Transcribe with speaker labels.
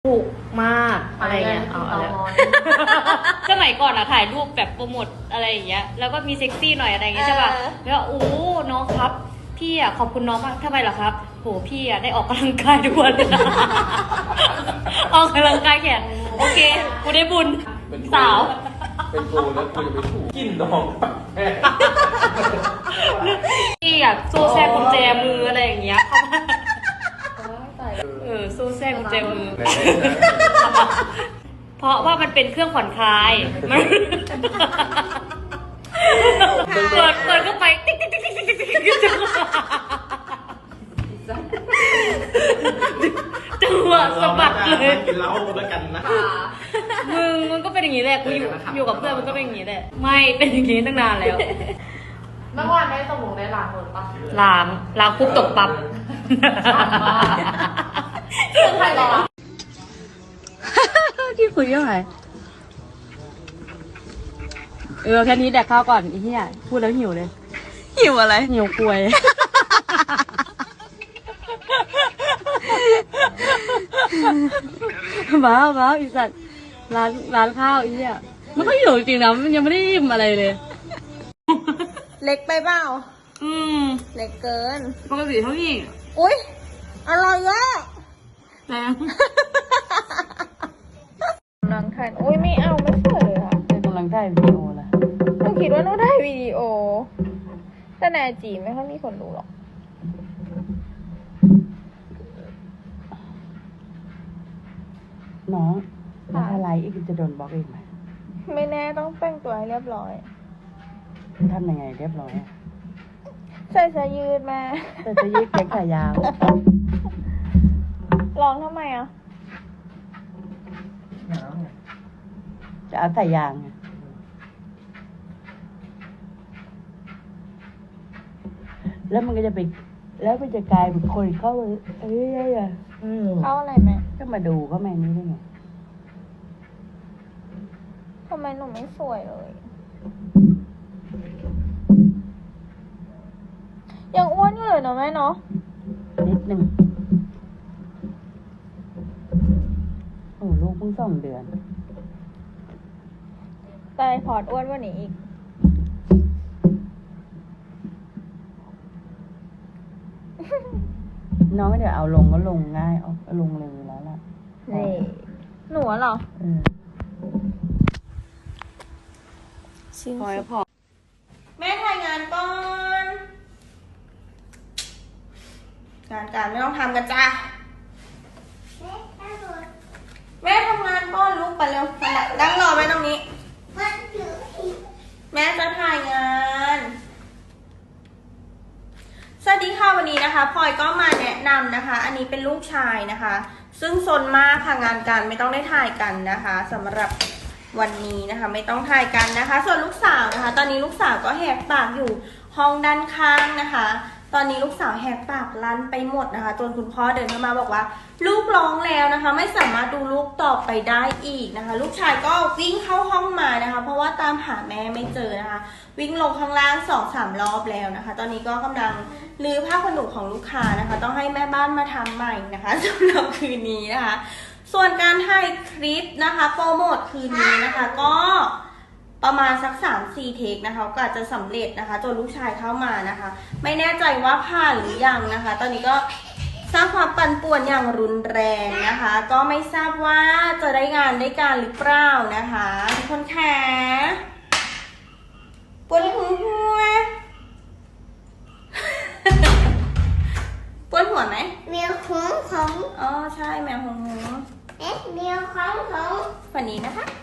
Speaker 1: ถูกมากอะไรเงี้ยเอาแล้วสมัยก่อนอะถ่ายรูปแบบโปรโมทอะไรอย่างเงี้ยแล้วก็มีเซ็กซี่หน่อยอะไรอย่างเงี้ยใช่ป่ะแล้วโอ้น้องครับพี่อะขอบคุณน้องมากทำไมเหรอครับโหพี่อะได้ออกกำลังกายทุกวันเลยนะออกกำลังกายแขนโอเคกูได้บุญสาว
Speaker 2: เป็นโกแล้วกูจะไปถูกกินน้องแม่
Speaker 1: พี่อะโซ่แทรกกุญแจมืออะไรอย่างเงี้ยโซ่แทรกกุญแจมือเพราะว่ามันเป็นเครื่องผ่อนคลายมันเปิดก็ไปติ๊กติ๊กติ๊กติ๊กติ๊กติ๊กจังหวะสะบัดเลย
Speaker 2: กินเหล้าแล้วกันนะ
Speaker 1: มึงก็เป็นอย่างนี้แหละกูอยู่กับเพื่อนมันก็เป็นอย่างนี้แหละไม่เป็นอย่างนี้ตั้งนานแล้ว
Speaker 3: เมื่อวานได้สมุนได้ล้างหมดปะ
Speaker 1: ล้างปุ๊บตกปั๊บ
Speaker 3: เรื่องใครรอ
Speaker 1: ที่คุยเรื่องอะไรแค่นี้แดกข้าวก่อนไอ้เหี้ยพูดแล้วหิวเลย
Speaker 4: หิวอะไร
Speaker 1: หิวกล้วยบ้าอีสัตว์ร้านข้าวไอ้เหี้ยมันก็หิวจริงๆนะมันยังไม่ได้อิ่มอะไรเลย
Speaker 4: เล็กไปเปล่าเล็กเกิน
Speaker 1: ปกติเท่านี้
Speaker 4: อุ๊ยอร่อยอะ
Speaker 1: แรง
Speaker 4: กำลังถ่ายอุ๊ยไม่เอาไม่สวยเลยค่ะ
Speaker 1: กำลังถ่ายวิดีโอละ
Speaker 4: หนูคิดว่าหนูถ่ายวิดีโอแต่ในจีไม่ค่อยมีคนดูหรอก
Speaker 1: น้องแล้วถ้าไลฟ์อีกจะโดนบล็อกอีกไหม
Speaker 4: ไม่แน่ต้องแต่งตัวให้เรียบร้อย
Speaker 1: ทำยังไงเรียบร้อย
Speaker 4: ใส่เสื้อยืดมา
Speaker 1: แต่จะยืดแขนขายาว
Speaker 4: ร้องทำไมอ่ะ
Speaker 1: จะเอาใส่ยางแล้วมันก็จะไปแล้วมันจะกลายเป็นคนเข้า
Speaker 4: เข้าอะไรไหม
Speaker 1: ก็มาดูเขาแม่นี้ได้ไง
Speaker 4: ทำไมหนูไม่สวยเลยยังอ้วนอยู่เลยเนาะแม่เนาะ
Speaker 1: นิดนึงโอ้ลูกเพิ่ง2 เดือน
Speaker 4: แต่พอร์ตอ้วนกว่านี้อีก
Speaker 1: น้องไม่เดี๋ยวเอาลงก็ลงง่ายเอาลงเลยแล้วล่ะ
Speaker 4: นี่หนูเหรอพอแม่ถ่ายงานก่อนงานการไม่ต้องทำกันจ้าแม่ทำงานก่อนลูกไปเร็วนั่งรอไว้ตรงนี้แม่จะถ่ายงานสวัสดีค่ะวันนี้นะคะพลอยก็มาแนะนำนะคะอันนี้เป็นลูกชายนะคะซึ่งซนมากค่ะงานการไม่ต้องได้ถ่ายกันนะคะสำหรับวันนี้นะคะไม่ต้องถ่ายกันนะคะส่วนลูกสาวนะคะตอนนี้ลูกสาวก็แหกปากอยู่ห้องด้านข้างนะคะตอนนี้ลูกสาวแหกปากลั่นไปหมดนะคะจนคุณพ่อเดินเข้ามาบอกว่าลูกร้องแล้วนะคะไม่สามารถดูลูกต่อไปได้อีกนะคะลูกชายก็วิ่งเข้าห้องมานะคะเพราะว่าตามหาแม่ไม่เจอนะคะวิ่งลงข้างล่าง 2-3 รอบแล้วนะคะตอนนี้ก็กำลังรื้อผ้าขนหนูของลูกค้านะคะต้องให้แม่บ้านมาทำใหม่นะคะสำหรับคืนนี้นะคะส่วนการถ่ายคลิปนะคะโปรโมทคืนนี้นะคะก็ประมาณสัก 3-4 เทคนะคะก็อาจจะสำเร็จนะคะจนลูกชายเข้ามานะคะไม่แน่ใจว่าผ่านหรือยังนะคะตอนนี้ก็สร้างความปั่นป่วนอย่างรุนแรงนะคะก็ไม่ทราบว่าจะได้งานได้การหรือเปล่านะคะทุกคนค่ะปวดหัวปวดหัวไหม
Speaker 3: แมวของ
Speaker 4: อ๋อใช่แมวหง
Speaker 3: แมวของ
Speaker 4: วันนี้นะคะ